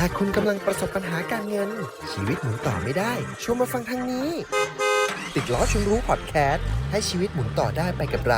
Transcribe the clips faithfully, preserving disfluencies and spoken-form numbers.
ถ้าคุณกำลังประสบปัญหาการเงินชีวิตหมุนต่อไม่ได้ชวนมาฟังทางนี้ติดล้อชวนรู้พอดแคสต์ให้ชีวิตหมุนต่อได้ไปกับเรา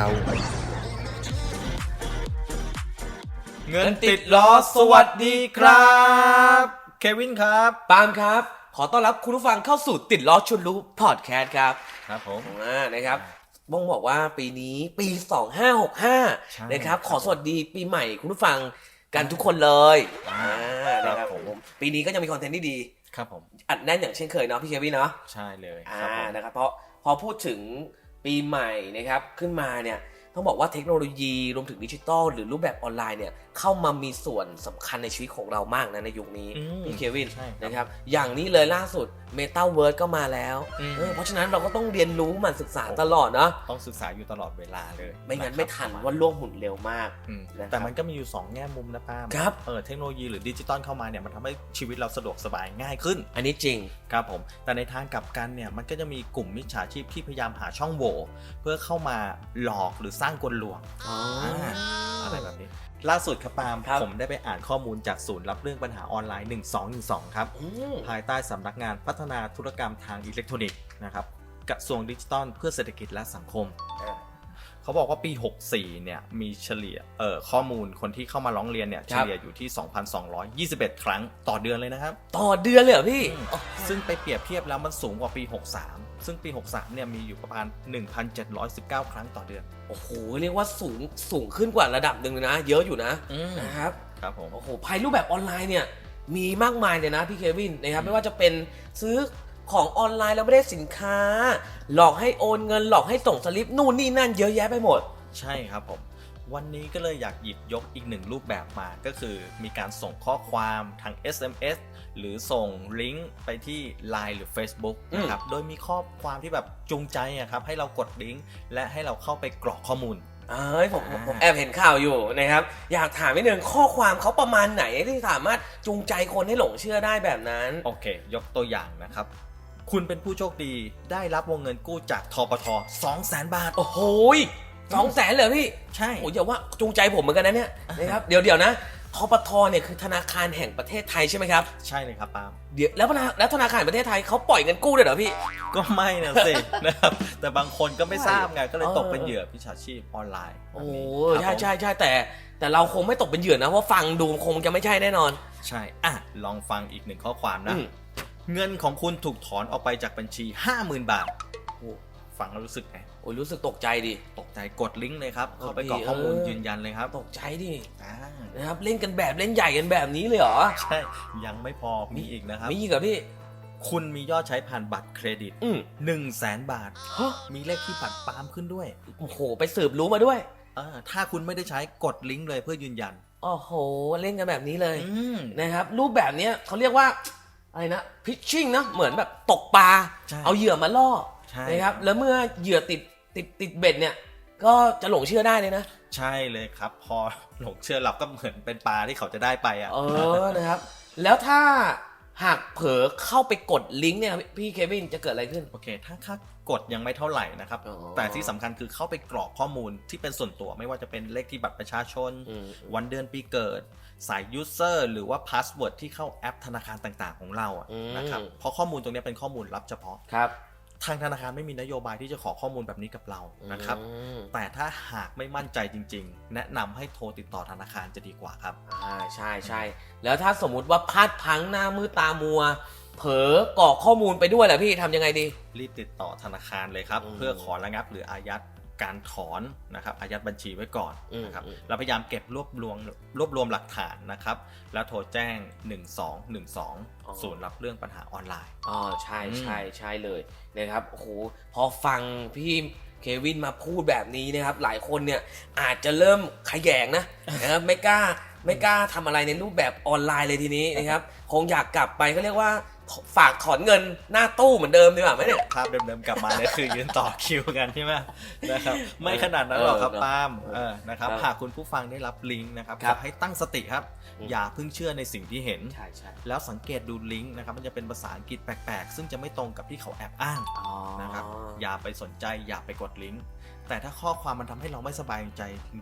เงินติดล้อสวัสดีครับเควินครับปาล์มครับขอต้อนรับคุณผู้ฟังเข้าสู่ติดล้อชวนรู้พอดแคสต์ครับครับผมอ่านะครับบ้องบอกว่าปีนี้ปีสองพันห้าร้อยหกสิบห้านะครับขอสวัสดีปีใหม่คุณผู้ฟังกันทุกคนเลยอ่านะครับผมปีนี้ก็ยังมีคอนเทนต์ที่ดีครับผมอัดแน่นอย่างเช่นเคยเนาะพี่เควินเนาะใช่เลยอ่านะครับเพราะพอพูดถึงปีใหม่นะครับขึ้นมาเนี่ยต้องบอกว่าเทคโนโลยีรวมถึงดิจิทัลหรือรูปแบบออนไลน์เนี่ยเข้ามามีส่วนสำคัญในชีวิตของเรามากนะในยุคนี้พี่เควินนะครับอย่างนี้เลยล่าสุด Metaverse ก็มาแล้วเออเพราะฉะนั้นเราก็ต้องเรียนรู้มันศึกษาตลอดเนาะต้องศึกษาอยู่ตลอดเวลาเลยไม่งั้นไม่ทันว่าโลกหมุนเร็วมากแต่มันก็มีอยู่สองแง่มุมนะป้าครับเออเทคโนโลยีหรือดิจิตอลเข้ามาเนี่ยมันทำให้ชีวิตเราสะดวกสบายง่ายขึ้นอันนี้จริงครับผมแต่ในทางกลับกันเนี่ยมันก็จะมีกลุ่มมิจฉาชีพที่พยายามหาช่องโหว่เพื่อเข้ามาหลอกหรือสร้างกลลวงอะไรแบบนี้ล่าสุดครับปาล์มผมได้ไปอ่านข้อมูลจากศูนย์รับเรื่องปัญหาออนไลน์หนึ่งสองหนึ่งสองครับภายใต้สำนักงานพัฒนาธุรกรรมทางอิเล็กทรอนิกส์นะครับกระทรวงดิจิทัลเพื่อเศรษฐกิจและสังคมเขาบอกว่าปีหกสิบสี่เนี่ยมีเฉลี่ยเอ่อข้อมูลคนที่เข้ามาร้องเรียนเนี่ยเฉลี่ยอยู่ที่ สองพันสองร้อยยี่สิบเอ็ด ครั้งต่อเดือนเลยนะครับต่อเดือนเลยเหรอพี่ซึ่งไปเปรียบเทียบแล้วมันสูงกว่าปีหกสิบสามซึ่งปีหกสิบสามเนี่ยมีอยู่ประมาณ หนึ่งพันเจ็ดร้อยสิบเก้า ครั้งต่อเดือนโอ้โหเรียกว่าสูงสูงขึ้นกว่าระดับหนึ่งเลยนะเยอะอยู่นะนะครับครับผมโอ้โหภายรูปแบบออนไลน์เนี่ยมีมากมายเลยนะพี่เควินนะครับไม่ว่าจะเป็นซื้อของออนไลน์แล้วไม่ได้สินค้าหลอกให้โอนเงินหลอกให้ส่งสลิปนู่นนี่นั่นเยอะแยะไปหมดใช่ครับผมวันนี้ก็เลยอยากหยิบยกอีกหนึ่งรูปแบบมาก็คือมีการส่งข้อความทาง เอส เอ็ม เอส หรือส่งลิงก์ไปที่ ไลน์ หรือ Facebook นะครับโดยมีข้อความที่แบบจูงใจอะครับให้เรากดลิงก์และให้เราเข้าไปกรอกข้อมูลเอ้ยผมผมแอบเห็นข่าวอยู่นะครับอยากถามนิดนึงข้อความเขาประมาณไหนที่สามารถจูงใจคนให้หลงเชื่อได้แบบนั้นโอเคยกตัวอย่างนะครับคุณเป็นผู้โชคดีได้รับวงเงินกู้จากธปท สองแสน บาทโอ้โหสองแสนเลยพี่ใช่โอ้ยอย่าว่าจูงใจผมเหมือนกันนะเนี่ยนะครับเดี๋ยวเดี๋ยวนะธปทเนี่ยคือธนาคารแห่งประเทศไทยใช่ไหมครับใช่เลยครับปาล์มเดี๋ยวแล้วแล้วธนาคารแห่งประเทศไทยเขาปล่อยเงินกู้ด้วยเหรอพี่ก็ไม่นะสินะครับแต่บางคนก็ไม่ทราบไงก็เลยตกเป็นเหยื่อมิจฉาชีพออนไลน์โอ้ใช่ใช่ใช่แต่แต่เราคงไม่ตกเป็นเหยื่อนะเพราะฟังดูคงจะไม่ใช่แน่นอนใช่อ่ะลองฟังอีกหนึ่งข้อความนะเงินของคุณถูกถอนออกไปจากบัญชี ห้าหมื่น บาทฟังแล้วรู้สึกไงโอ้ยรู้สึกตกใจดิตกใจกดลิงก์เลยครับเข้าไปกรอกข้อมูลยืนยันเลยครับตกใจดินะครับเล่นกันแบบเล่นใหญ่กันแบบนี้เลยเหรอใช่ยังไม่พอมีอีกนะครับมีอีกเหรอพี่คุณมียอดใช้ผ่านบัตรเครดิตหนึ่งแสนบาทมีเลขที่บัตรปาล์มขึ้นด้วยโอ้โหไปสืบรู้มาด้วยถ้าคุณไม่ได้ใช้กดลิงก์เลยเพื่อยืนยันโอ้โหเล่นกันแบบนี้เลยนะครับรูปแบบนี้เขาเรียกว่าอะไรนะพิชชิ่งนะเหมือนแบบตกปลาเอาเหยื่อมาล่อนะครับแล้วเมื่อเหยื่อติดติดติดเบ็ดเนี่ยก็จะหลงเชื่อได้เลยนะใช่เลยครับพอหลงเชื่อเราก็เหมือนเป็นปลาที่เขาจะได้ไปอ่ะเออนะครับแล้วถ้าหากเผลอเข้าไปกดลิงก์เนี่ยพี่เควินจะเกิดอะไรขึ้นโอเคถ้าค่ากดยังไม่เท่าไหร่นะครับแต่ที่สำคัญคือเข้าไปกรอกข้อมูลที่เป็นส่วนตัวไม่ว่าจะเป็นเลขที่บัตรประชาชนวันเดือนปีเกิดสายยูเซอร์หรือว่าพาสเวิร์ดที่เข้าแอปธนาคารต่างๆของเราอ่ะนะครับเพราะข้อมูลตรงนี้เป็นข้อมูลลับเฉพาะครับทางธนาคารไม่มีนโยบายที่จะขอข้อมูลแบบนี้กับเรานะครับแต่ถ้าหากไม่มั่นใจจริงๆแนะนำให้โทรติดต่อธนาคารจะดีกว่าครับอ่าใช่ใช่แล้วถ้าสมมุติว่าพลาดพลั้งหน้ามือตามัวเผลอกรอกข้อมูลไปด้วยแหละพี่ทำยังไงดีรีบติดต่อธนาคารเลยครับเพื่อขอระงับหรืออายัดการถอนนะครับอายัดบัญชีไว้ก่อนนะครับเราพยายามเก็บรวบรวมรวบรวมหลักฐานนะครับแล้วโทรแจ้งหนึ่งสองหนึ่งสองศูนย์รับเรื่องปัญหาออนไลน์อ๋อใช่ใช่ใช่เลยนะครับโอ้โหพอฟังพี่เควินมาพูดแบบนี้นะครับหลายคนเนี่ยอาจจะเริ่มขยงนะนะครับไม่กล้าไม่กล้าทำอะไรในรูปแบบออนไลน์เลยทีนี้นะครับคงอยากกลับไปก็เรียกว่าฝากถอนเงินหน้าตู้เหมือนเดิมดีกว่าไหมเนี่ยภาพเดิมๆกลับมาเนี่ยคือยืนต่อคิวกันใช่ไหมนะครับไม่ขนาดนั้นหรอกครับปาล์มนะครับหากคุณผู้ฟังได้รับลิงก์นะครับขอให้ตั้งสติครับอย่าเพิ่งเชื่อในสิ่งที่เห็นแล้วสังเกตดูลิงก์นะครับมันจะเป็นภาษาอังกฤษแปลกๆซึ่งจะไม่ตรงกับที่เขาแอบอ้างนะครับอย่าไปสนใจอย่าไปกดลิงก์แต่ถ้าข้อความมันทำให้เราไม่สบายใจจริงๆอ่ะ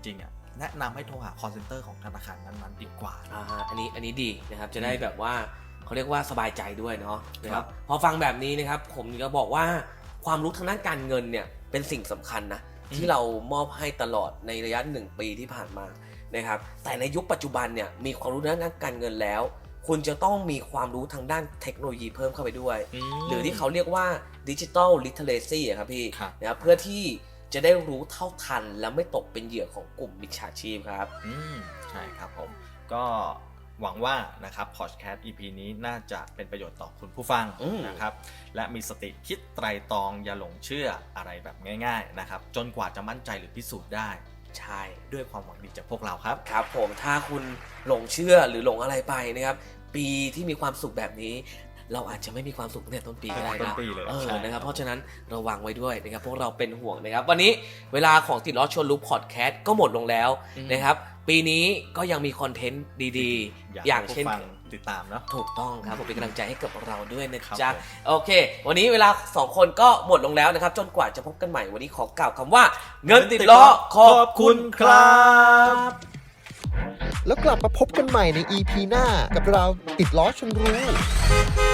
แนะนำให้โทรหา call center ของธนาคารนั้นๆดีกว่าอ่าอันนี้อันนี้ดีนะครับจะได้แบบว่าเขาเรียกว่าสบายใจด้วยเนาะนะคครัรับบ พอฟังแบบนี้นะครับผมจะบอกว่าความรู้ทางด้านการเงินเนี่ยเป็นสิ่งสำคัญนะที่เรามอบให้ตลอดในระยะหนึ่งปีที่ผ่านมานะครับแต่ในยุคปัจจุบันเนี่ยมีความรู้ทางด้านการเงินแล้วคุณจะต้องมีความรู้ทางด้านเทคโนโลยีเพิ่มเข้าไปด้วยหรือที่เขาเรียกว่าดิจิทัลลิเทเรซีครับพี่นะครับเพื่อที่จะได้รู้เท่าทันและไม่ตกเป็นเหยื่อของกลุ่มมิจฉาชีพครับอืมใช่ครับผมก็หวังว่านะครับพอดแคสต์ อี พี นี้น่าจะเป็นประโยชน์ต่อคุณผู้ฟังนะครับและมีสติคิดไตร่ตรองอย่าหลงเชื่ออะไรแบบง่ายๆนะครับจนกว่าจะมั่นใจหรือพิสูจน์ได้ใช่ด้วยความหวังดีจากพวกเราครับครับผมถ้าคุณหลงเชื่อหรือหลงอะไรไปนะครับปีที่มีความสุขแบบนี้เราอาจจะไม่มีความสุขตั้งแต่ต้นปีก็ได้นะเออนะครับเพราะฉะนั้นระวังไว้ด้วยนะครับพวกเราเป็นห่วงนะครับวันนี้เวลาของติดล้อชวนรู้พอดแคสต์ก็หมดลงแล้วนะครับปีนี้ก็ยังมีคอนเทนต์ดีๆอย่างเช่นติดตามเนาะถูกต้องครับผมเป็นกำลังใจให้กับเราด้วยนะจ๊ะโอเควันนี้เวลาสองคนก็หมดลงแล้วนะครับจนกว่าจะพบกันใหม่วันนี้ขอกล่าวคำว่าเงินติดล้อขอบคุณครับแล้วกลับมาพบกันใหม่ใน อี พี หน้ากับเราติดล้อชวนรู้